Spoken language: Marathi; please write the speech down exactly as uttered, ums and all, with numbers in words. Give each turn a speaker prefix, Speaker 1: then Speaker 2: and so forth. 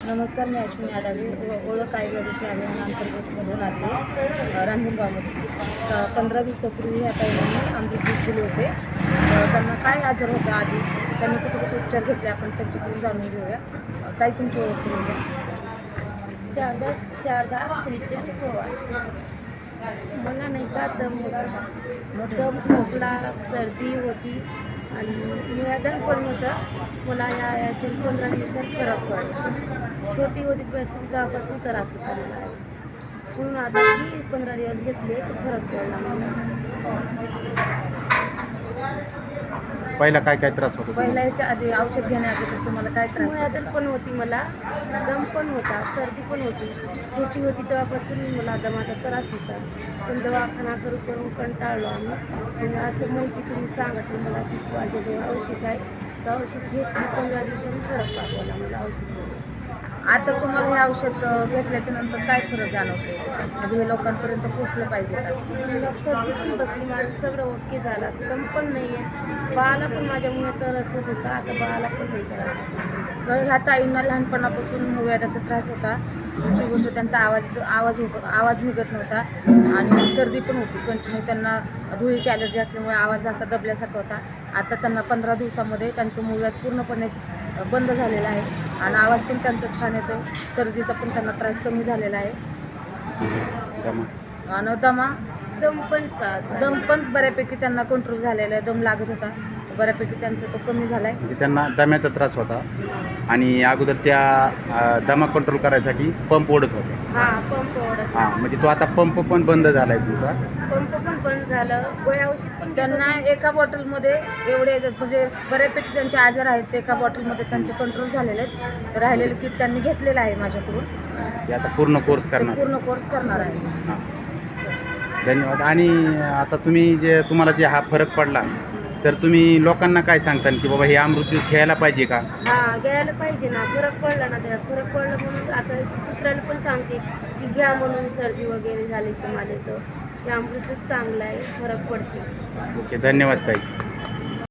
Speaker 1: नमस्कार, मी अश्विनी आडावे ओ- ओळख आयुर्वेदाची अभियानाअंतर्गतमधून आले रांजणगावमध्ये. पंधरा दिवसापूर्वी ह्या ताईंनी अमृत दिले होते. अ, त्यांना काय आजार होता आधी, त्यांनी कुठे कुठे उपचार घेतले, आपण त्याच्याकडून जाणून घेऊया. अ, ताई, तुमची ओळख करून द्या.
Speaker 2: शारदा शारदा श्रीचंद पवार. मला नाही का दम होता, दम खोकला सर्दी होती आणि निवेदन पण होतं. मला या याचे पंधरा दिवसात फरक पडला. छोटी होती पासून तेव्हापासून त्रास होता मला याचा. म्हणून आता की पंधरा दिवस घेतले तर फरक पडला मला.
Speaker 3: पहिला काय काय त्रास होतो
Speaker 1: पहिल्या याच्या आधी औषध घेण्याआधी तुम्हाला काय त्रास होता?
Speaker 2: निवेदन पण होती मला, दम पण होता, सर्दी पण होती. छोटी होती तेव्हापासून मला दमाचा त्रास होता. पण दवाखाना करू करून कंटाळलो आम्ही. म्हणजे असं माहिती तुम्ही सांगितलं मला की माझ्याजवळ औषध आहे, तर औषध घेतली. पंधरा दिवसांनी फरक पाठवला मला औषधचं.
Speaker 1: आता तुम्हाला हे औषध अ, घेतल्याच्या नंतर काय फरक जाणवते? म्हणजे हे लोकांपर्यंत पोहोचलं पाहिजे का?
Speaker 2: मला सर्दी पण बसली, माझं सगळं ओके झालं, दम पण नाही आहे. बाळाला पण माझ्यामुळे त्रास होत होता, आता बाळाला पण नाही त्रास होता.
Speaker 1: तर ह्या ताईंना लहानपणापासून हृदयाचा त्रास होता. दुसरी गोष्ट, त्यांचा आवाज आवाज होत आवाज निघत नव्हता आणि सर्दी पण होती कंटिन्यू. त्यांना धुळीची ॲलर्जी असल्यामुळे आवाज असा दबल्यासारखा होता. आता त्यांना पंधरा दिवसामध्ये त्यांचं मूळव्याध पूर्णपणे बंद झालेलं आहे आणि आवाज पण त्यांचा छान येतो. सर्दीचा पण त्यांना त्रास कमी झालेला आहे
Speaker 3: दमा?
Speaker 1: आणि दमा
Speaker 2: दम पण चालत
Speaker 1: दम पण बऱ्यापैकी त्यांना कंट्रोल झालेला आहे. दम लागत होता, बऱ्यापैकी त्यांचा तो कमी झाला आहे.
Speaker 3: म्हणजे त्यांना दम्याचा त्रास होता आणि अगोदर त्या अ, दमा कंट्रोल करायसाठी पंप ओढत होते.
Speaker 2: हा पंप ओढत,
Speaker 3: हां, म्हणजे तो आता पंप पण बंद झाला आहे तुमचा.
Speaker 2: पंप पण बंद झालं. गोळ्या औषध पण घेत
Speaker 1: त्यांना
Speaker 2: होते.
Speaker 1: एका बॉटलमध्ये एवढे म्हणजे बऱ्यापैकी त्यांचे आजार आहेत, ते एका बॉटलमध्ये त्यांचे कंट्रोल झालेले आहेत. राहिलेले किट त्यांनी घेतलेलं आहे माझ्याकडून.
Speaker 3: ते आता पूर्ण कोर्स
Speaker 1: ते
Speaker 3: करणार.
Speaker 1: पूर्ण कोर्स करणार आहे.
Speaker 3: हां, धन्यवाद. आणि आता तुम्ही जे तुम्हाला जे हा फरक पडला, तर तुम्ही लोकांना काय सांगता की बाबा हे अमृत ज्यूस घ्यायला पाहिजे का?
Speaker 2: हा घ्यायला पाहिजे ना, फरक पडला ना. त्याला फरक पडला म्हणून आता दुसऱ्याला पण सांगते की घ्या म्हणून. सर्दी वगैरे झाली तुम्हाला तर ते अमृतच चांगलं आहे, फरक पडते.
Speaker 3: ओके, धन्यवाद ताई.